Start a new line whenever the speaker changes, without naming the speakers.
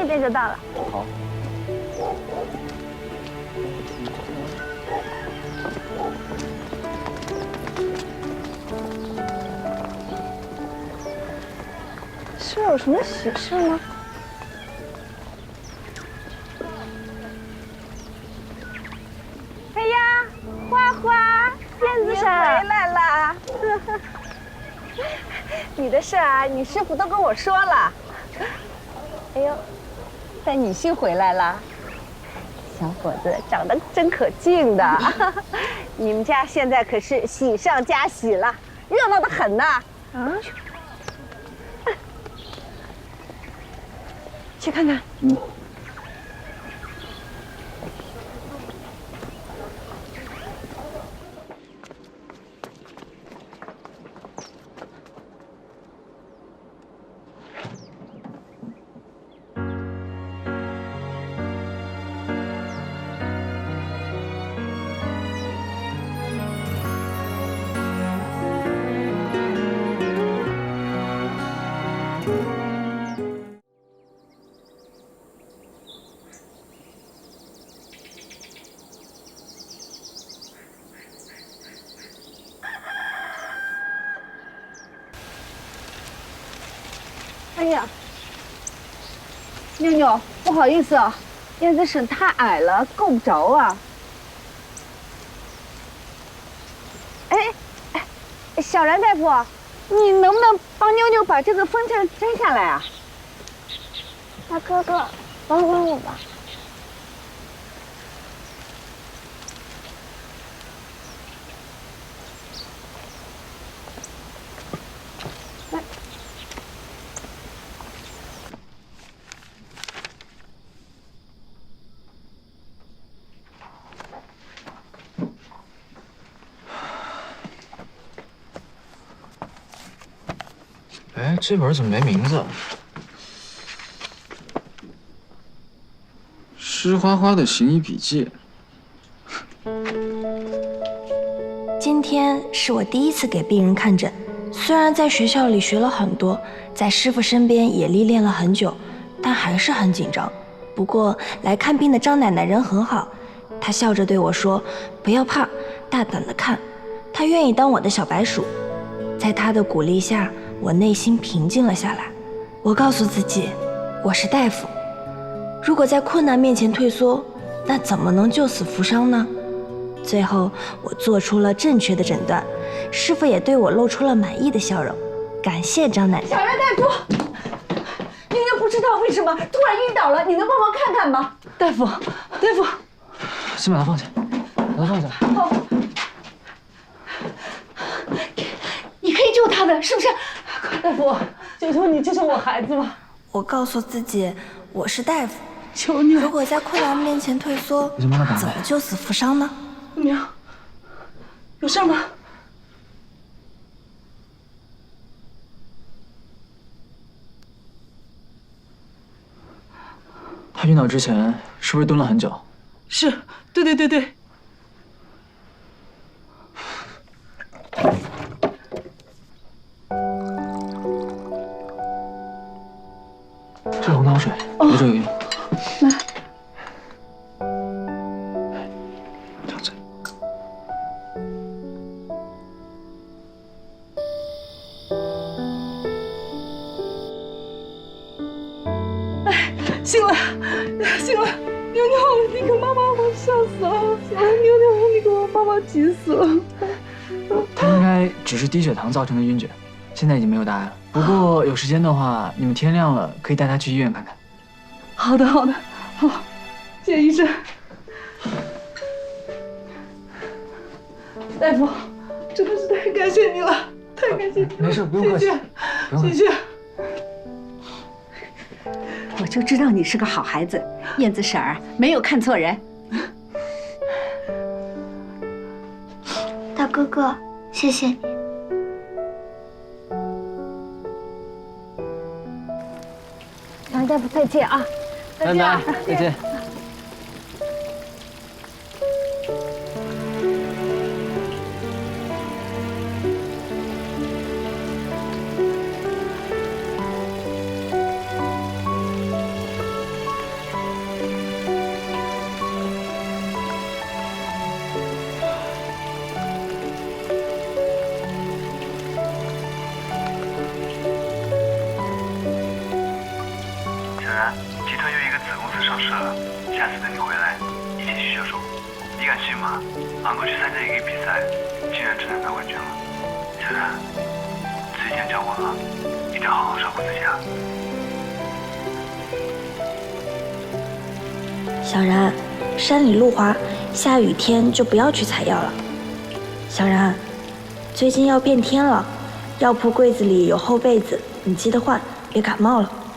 点就到了。
好。
是有什么喜事吗？哎呀，花花，燕子婶回来了。你的事儿，你师傅都跟我说了。哎呦，带女婿回来了，小伙子长得真可敬的。你们家现在可是喜上加喜了，热闹得很呢。啊？去看看。嗯。哎呀，妞妞，不好意思啊，燕子婶太矮了，够不着啊。哎，小然大夫，你能不能帮妞妞把这个风筝摘下来啊？
大哥哥，帮帮我吧。
哎，这本怎么没名字？湿花花的行医笔记。
今天是我第一次给病人看诊，虽然在学校里学了很多，在师傅身边也历练了很久，但还是很紧张。不过来看病的张奶奶人很好，她笑着对我说：“不要怕，大胆的看。”她愿意当我的小白鼠。在她的鼓励下，我内心平静了下来。我告诉自己，我是大夫，如果在困难面前退缩，那怎么能救死扶伤呢？最后，我做出了正确的诊断，师傅也对我露出了满意的笑容。感谢张奶奶。
小然大夫，妞妞不知道为什么突然晕倒了，你能帮忙看看吗？大夫，
先把它放下，把它放下。
好，你可以救他的，是不是？大夫，求求你救救我孩子吧！
我告诉自己，我是大夫，
求你了。
如果在困难面前退缩，怎么救死扶伤呢？
娘，有事吗？
他晕倒之前是不是蹲了很久？
是，对。
这红糖水留着有用。
来，
这样子。
醒了，妞妞，你可妈妈，我笑死了！妞妞，你给我妈妈急死了。
他应该只是低血糖造成的晕厥，现在已经没有大碍了。不过有时间的话，你们天亮了可以带他去医院看看。
好的，好，谢谢医生。大夫，真的是太感谢你了，太感谢你了。
没事，不用客气，
谢谢。我就知道你是个好孩子，燕子婶儿没有看错人。
大哥哥，谢谢你。
杨大夫，再见啊！再见啊！
再见。
上市了，下次等你回来一起去销售。你敢信吗？昂哥去参加一个比赛，竟然真的拿冠军了。小然，之前教过了，一定要好好照顾自己啊。
小然，山里路滑，下雨天就不要去采药了。小然，最近要变天了，药铺柜子里有厚被子，你记得换，别感冒了。